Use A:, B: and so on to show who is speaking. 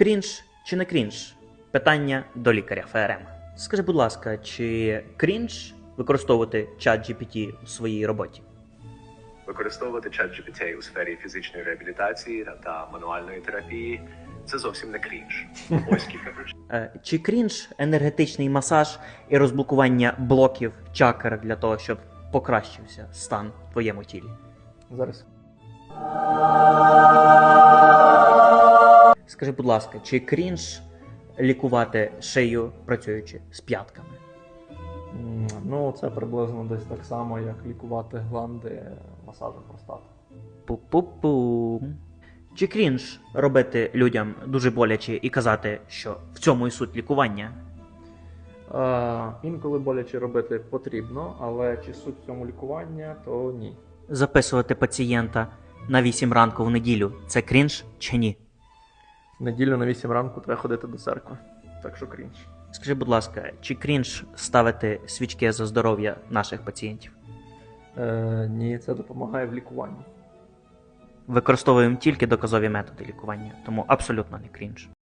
A: Крінж чи не крінж? Питання до лікаря ФРМ. Скажи, будь ласка, чи крінж використовувати чат GPT у своїй роботі?
B: Використовувати ChatGPT у сфері фізичної реабілітації та мануальної терапії – це зовсім не крінж. Ось кілька причин.
A: Чи крінж енергетичний масаж і розблокування блоків чакр для того, щоб покращився стан в твоєму тілі?
C: Зараз.
A: Скажи, будь ласка, чи крінж лікувати шию, працюючи з п'ятками?
C: Ну, це приблизно десь так само, як лікувати гланди масажем простати.
A: Пу-пу-пу. Чи крінж робити людям дуже боляче і казати, що в цьому і суть лікування?
C: Інколи боляче робити потрібно, але чи суть в цьому лікування, то ні.
A: Записувати пацієнта на 8 ранку в неділю – це крінж чи ні?
C: В неділю на 8 ранку треба ходити до церкви, так що крінж.
A: Скажи, будь ласка, чи крінж ставити свічки за здоров'я наших пацієнтів?
C: Ні, це допомагає в лікуванні.
A: Використовуємо тільки доказові методи лікування, тому абсолютно не крінж.